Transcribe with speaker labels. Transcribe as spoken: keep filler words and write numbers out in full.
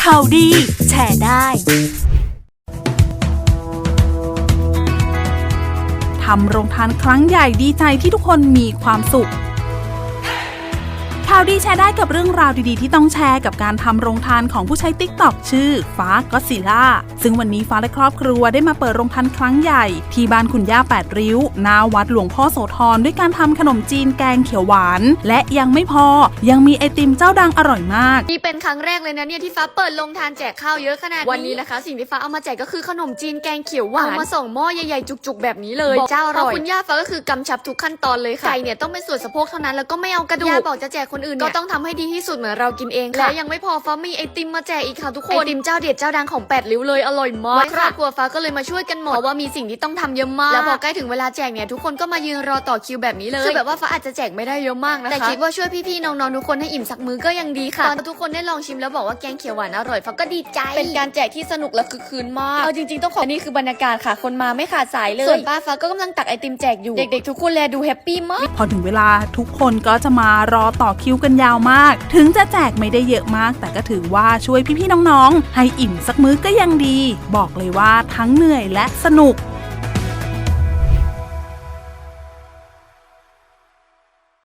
Speaker 1: ข่าวดีแชร์ได้ทำโรงทานครั้งใหญ่ดีใจที่ทุกคนมีความสุขข่าวดีแชร์ได้กับเรื่องราวดีๆที่ต้องแชร์กับการทำโรงทานของผู้ใช้ ติ๊กต็อก ชื่อฟ้าก็ซิล่าซึ่งวันนี้ฟ้าและครอบครัวได้มาเปิดโรงทานครั้งใหญ่ที่บ้านคุณย่าแปดริ้วหน้าวัดหลวงพ่อโสธรด้วยการทำขนมจีนแกงเขียวหวานและยังไม่พอยังมีไอติมเจ้าดังอร่อยมาก
Speaker 2: นี่เป็นครั้งแรกเลยนะเนี่ยที่ฟ้าเปิดโรงทานแจกข้าวเยอะขนาดนี้วันนี้นะคะสิ่งที่ฟ้าเอามาแจกก็คือขนมจีนแกงเขียวหวานเอามาส่งหม้อใหญ่ๆจุกๆแบบนี้เลยเจ้าอร่อยคุณย่าฟ้าก็คือกำชับทุกขั้นตอนเลยค่ะไก่เนี่ยต้องเป็นส่วนสะโพกเท่านั้นแล้วก็ไม่เอากระดูกย่าบอกจะแจกคนอื่นก็ต้องทำให้ดีที่สุดเหมือนเรากินเองค่ะและยังไม่พอฟ้ามีไอติมมาแจกอีกค่ะทุกคนไอติมเจ้าเด็ดเจ้าดังของแปดริ้วเลยอร่อยมากครอบครัวฟ้าก็เลยมาช่วยกันหมดเพราะว่ามีสิ่งที่ต้องทำเยอะมากแล้วพอใกล้ถึงเวลาแจกเนี่ยทุกคนก็มายืนรอต่อคิวแบบนี้เลยคือแบบว่าฟ้าอาจจะแจกไม่ได้เยอะมากนะคะแต่คิดว่าช่วยพี่ๆน้องๆทุกคนให้อิ่มสักมื้อก็ยังดีค่ะตอนทุกคนได้ลองชิมแล้วบอกว่าแกงเขียวหวานอร่อยฟ้าก็ดีใจเป็นการแจกที่สนุกและคึกคืนมากเอาจริงๆต้องขอนี่คือบรรยากาศค่ะคนมาไม่ขาดสายเลยส่วนป้าฟ้าก็กำลังตักไอติมแจกอยู่เด็กๆทุกคนแลดูแฮปปี้มาก
Speaker 1: พอถึงเวลาทุกคนก็จะมารอต่อคิวกันยาวมากถึงจะแจกไม่ได้เยอะมากแต่ก็ถือว่าช่วยพี่ๆน้องๆให้อิ่มสักมื้อก็ยังดีบอกเลยว่าทั้งเหนื่อยและสนุก